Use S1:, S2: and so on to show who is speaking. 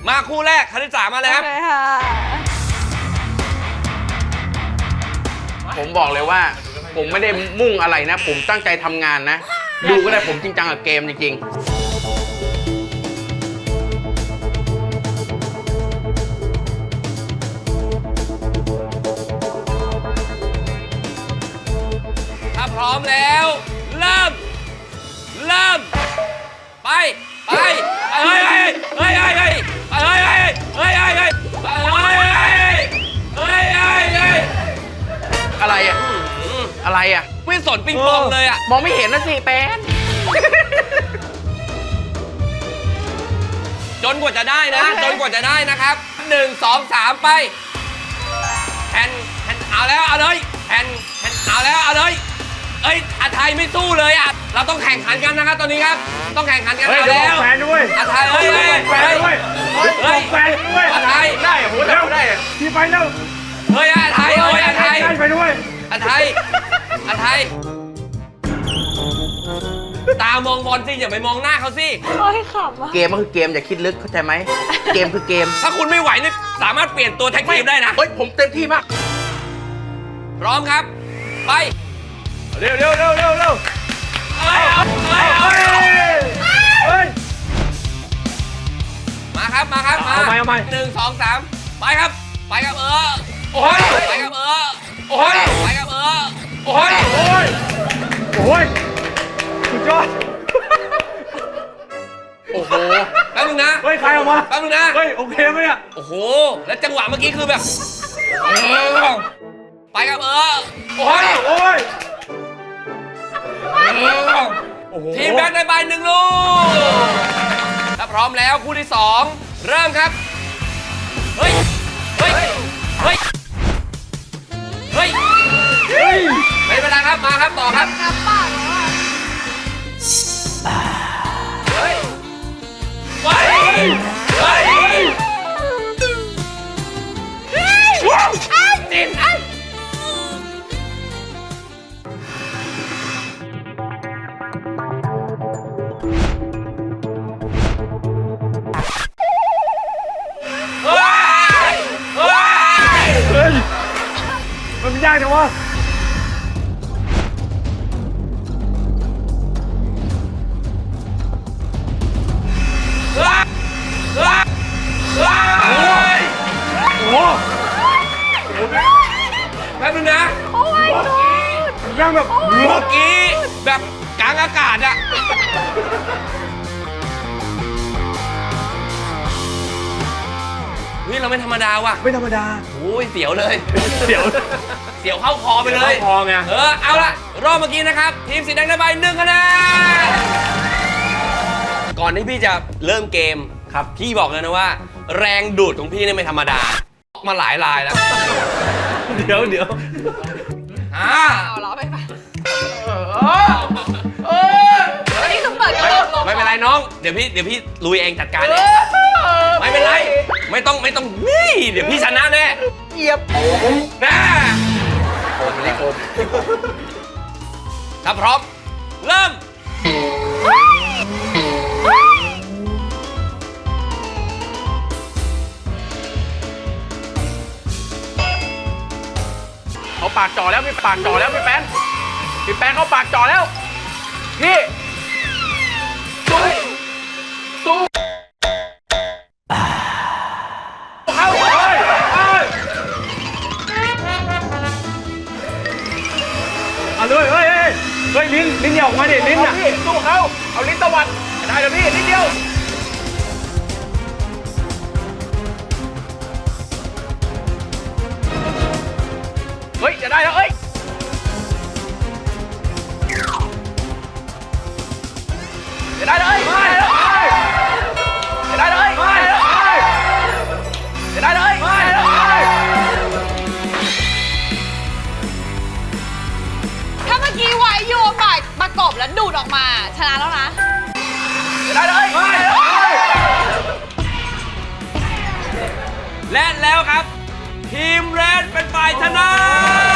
S1: มาคู่แรกคณิตศาสตร์มาเลยครับ
S2: ผมบอกเลยว่าผมไม่ได้มุ่งอะไรนะผมตั้งใจทำงานนะดูก็ได้ผมจริงจังกับเกมจริง
S1: ถ้าพร้อมแล้วเริ่มไปเฮ้ยเฮ้ยเฮ้ยเฮ้ยเฮ้ยเฮ้ยเฮ้ยเฮ้ยเฮ้ยเฮ้ย
S2: อะไรอ่ะอะไรอ่ะ
S1: ไม่สนปิงปองเลยอ่ะ
S2: มองไม่เห็นนะสิแป้น
S1: จนกว่าจะได้นะจนกว่าจะได้นะครับ1 2 3ไปแผ่นเอาแล้วเอาเลยแผ่นเอาแล้วเอาเลยเอ้ยอาไทยไม่สู้เลยอ่ะเราต้องแข่งขันกันนะครับตอนนี้ครับต้องแข่งขันกันเอาแล้วแฟนด้วยอาไทยเฮ้ยแฟนด้วยเฮ้ยแฟนด้วยอาไทยได้ผมได้ที่ไปแล้วเฮ้ยอาไทยเฮ้ยอาไทยไปด้วยอาไทยตามองบอลสิอย่าไปมองหน้าเขาสิ
S3: โอ้ยขำอ่ะ
S2: เกมก็คือเกมอย่าคิดลึกเข้าใจไหมเกมคือเกม
S1: ถ้าคุณไม่ไหวนี่สามารถเปลี่ยนตัวแท็กทีมได้นะ
S2: เฮ้ยผมเต็มที่มาก
S1: พร้อมครับไป
S4: เร็ว
S1: มาครับมา1 2 3ไปครับโอ้ยไปครับโอ้ยไปครับโอ้ย
S4: สุดยอด
S2: โอ้โห
S1: แป๊บนึงนะ
S4: เฮ้ยใครออกมา
S1: แป๊บนึงนะ
S4: เฮ้ยโอเคไหมเนี่ย
S1: โอ้โหแล้วจังหวะเมื่อกี้คือแบบไปครับโอ้ยทีมแบงค์ได้ใบ1 ลูกถ้าพร้อมแล้วคู่ที่2เริ่มครับเฮ้ยไม่เป็นไรครับมาครับต่อครับ
S3: น้ำปากแล้วอ่ะ
S1: เฮ้ยติด
S4: มันยากจังวะโอ้
S1: แป๊บนึงนะ
S3: โอ้ยกู
S4: ยังแบบ
S1: เมื่อกี้แบบกลางอากาศอะนี่เราไม่ธรรมดาว่ะ
S4: ไม่ธรรมดา
S1: โอ้ยเสียวเลย
S4: เดี๋ยว
S1: เสียวเข้าคอไปเลย
S4: เข้าคอไง
S1: เอาละรอบเมื่อกี้นะครับทีมสีแดงได้ใบ1 คะแนนก่อนที่พี่จะเริ่มเกมครับพี่บอกเลยนะว่า แรงดูดของพี่นี่ไม่ธรรมดามาหลายลายแล้ว
S4: เดี๋ยว
S3: เอาล้อไปอันนี้คือเปิดกระโดดลง
S1: ไม่เป็นไรน้องเดี๋ยวพี่ลุยเองจัดการเองไม่เป็นไรไม่ต้องนี่เดี๋ยวพี่ชนะแน่
S2: เหยียบ
S1: นะ
S2: ผมเลยผม
S1: ถ้าพร้อมเริ่ม
S2: เขาปากจ่อแล้วพี่ปากจ่อแล้วพี่แป้นเขาปากจ่อแล้วพี่สู้
S4: เข้าเลยเอาเลยเฮ้ยลิ้นอย่าออกมาดิลิ้นอ่ะ
S2: สู้เขาเอาลิ้นตะวัดได้แล้วพี่นิดเดียวเฮ้ยจะได้แล้วเอ้ยจะได้เลยจะได้เลยจะได้เลย
S3: ถ้าเมื่อกี้ไว้โยนประกบแล้วดูดออกมาชนะแล้วนะ
S2: จะได้เลย
S1: และแล้วครับทีมแรดเป็นฝ่ายชนะ